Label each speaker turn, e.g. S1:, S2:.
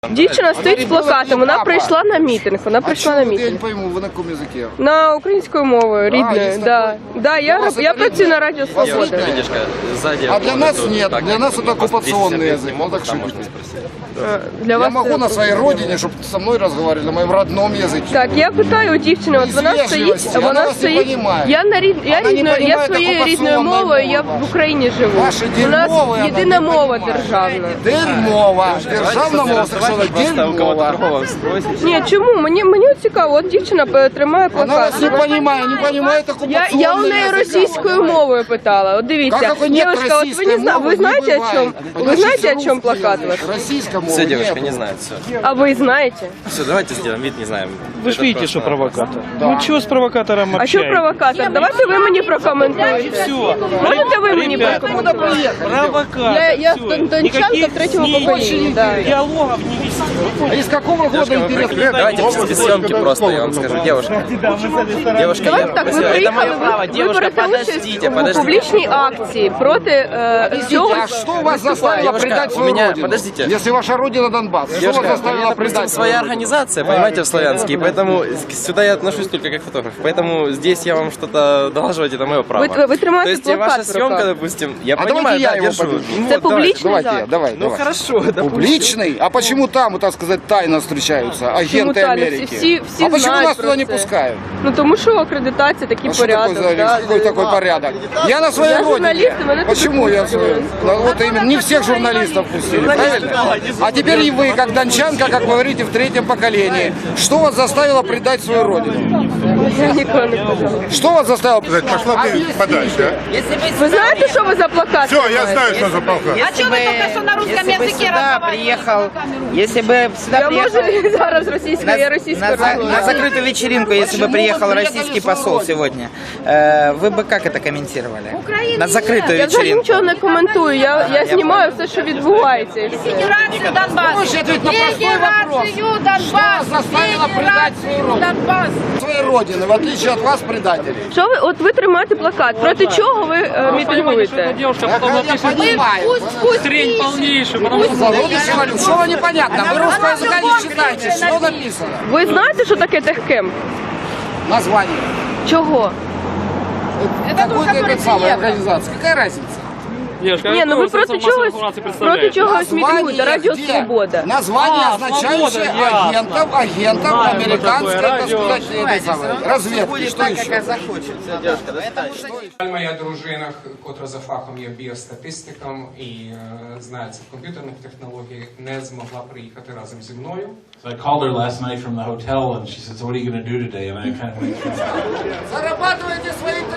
S1: Дівчина стоїть з плакатом, вона прийшла на мітинг,
S2: Я не пойму, ви на якому язикі?
S1: На українською мовою, рідною, да. Я працюю на Радіо Свобода.
S2: А для нас нет, для нас это оккупационный язык, вот так шутите. Я могу на своей родине, чтобы со мной разговаривали, на моем родном языке.
S1: Так, я питаю у дівчини, от вона стоїть, я своєю рідною мовою, я в Україні живу. У нас єдина мова державна.
S2: Дерьмова. Державна мова совершенно дерьмова.
S1: Ні, чому? Мені цікаво, от дівчина тримає
S2: Она
S1: плакат.
S2: вас не понимает оккупационный
S1: Я у неї
S2: язык.
S1: російською мовою питала. От дивіться, дівчинка, от ви знаєте, о чому плакат ваш?
S2: Российская мова.
S3: Все, девушка не знает, все.
S1: А ви знаєте?
S3: Все, давайте сделаем вид, не знаем.
S4: Вы же видите, что провокатор. Ну чего с провокатором
S1: А що
S4: общаетесь?
S1: провокатор? Давайте ви мені прокоментуєте.
S4: Все.
S1: Можете ви мені прокоментуєте?
S4: Провокатор.
S1: Я
S4: всё.
S1: дончанка
S4: Никаких
S1: третьего
S4: снений,
S1: поколения, да.
S4: диалогов не вести.
S2: А из какого года интересно?
S3: Давайте без съемки просто, я вам скажу. Девушка, девушка,
S1: Давайте так, ви приїхали, ви берете участь у публічній акції проти цього.
S2: А что вас заставило предать свою
S3: меня-
S2: родину?
S3: подождите.
S2: Если ваша родина Донбасс, что вас
S3: Девушка, у меня,
S2: заставило
S3: допустим,
S2: предать свою
S3: своя
S2: родину?
S3: организация, понимаете, в Славянске, и поэтому сюда я отношусь только как фотограф. Поэтому здесь я вам что-то долаживать, это мое право.
S1: Вы тримаете
S3: То есть
S1: плакат
S3: ваша
S1: в
S3: съемка,
S1: руках.
S3: допустим, я
S2: А
S3: понимаю,
S2: давайте я
S3: да,
S2: его
S3: держу.
S2: подержу.
S3: Ну,
S1: Це
S3: вот, давай.
S1: публічний
S2: Давайте я,
S1: захід.
S2: давай,
S3: Ну
S2: давай.
S3: хорошо, допустим.
S2: Публичный? А почему там, так сказать, тайно встречаются агенты
S1: тайно?
S2: Америки?
S1: Всі
S2: А почему
S1: знають
S2: нас
S1: про
S2: туда не
S1: це.
S2: пускают?
S1: Ну тому що акредитація, такий
S2: А что
S1: порядок.
S2: такое,
S1: да.
S2: какой такой порядок? Я на своей
S1: Я
S2: родине.
S1: журналист, и меня
S2: Почему
S1: тут
S2: я
S1: пустили.
S2: свой? Ну, вот именно, не всех журналистов пустили, правильно? А теперь и вы, как дончанка, как вы говорите, в третьем поколении. Что вас заставило предать свою родину?
S1: Я ніколи не казала.
S2: Что вас заставило?
S5: Пошла ты подальше.
S1: Ви знаєте, що ви за плакат?
S5: Все, я
S1: тримаєте?
S5: знаю, что за полка.
S6: А что вы только что на русском языке
S7: приехал, если бы сюда
S1: Я
S7: приехал
S1: можу зараз російською, я російською розмовляю.
S7: на закрытую вечеринку, если бы приехал российский посол сегодня, вы бы как это комментировали? На закрытую
S1: Я взагалі
S7: вечеринку.
S1: нічого не коментую, я знімаю все, що відбувається. і все.
S6: Федерацию Донбасс.
S2: Можете ответить на простой вопрос.
S6: Федерацию Донбасс.
S2: Что заставило предать свою родину?
S6: Донбасс.
S2: Своей родины, в отличие от вас, предателей.
S1: Що ви, от ви тримаєте плакат, проти чого ви мітингуєте?
S4: Девушка
S2: Я
S4: потом напишет
S2: понимаю.
S4: хрень полнейшую, потому что
S2: Зародыши валют. Что непонятно? Вы русского языка не читаете. Что написано?
S1: Ви знаєте, що таке техкем?
S2: Название.
S1: Чого?
S2: Какой-то этой самой организации. Какая разница?
S4: девушка,
S1: Ні, ну ви проти чогось мітингуєте, Радіо
S2: где?
S1: Свобода.
S2: Название,
S4: А,
S2: означающее
S4: «Свобода», ясно.
S2: агентов
S4: Знаем мы
S2: американской,
S4: такое
S2: так
S4: радио.
S2: сказать, этой самой, разведки.
S7: Будет
S2: Что
S7: так,
S2: еще?
S7: как захочет.
S8: Моя дружина, котра за фахом є біостатистиком і знається в комп'ютерних технологіях, не змогла приїхати разом зі мною.
S9: So I called her last night from the hotel, and she said, "So what are you going to do today?" And I kind of went through.
S2: Зарабатывайте свои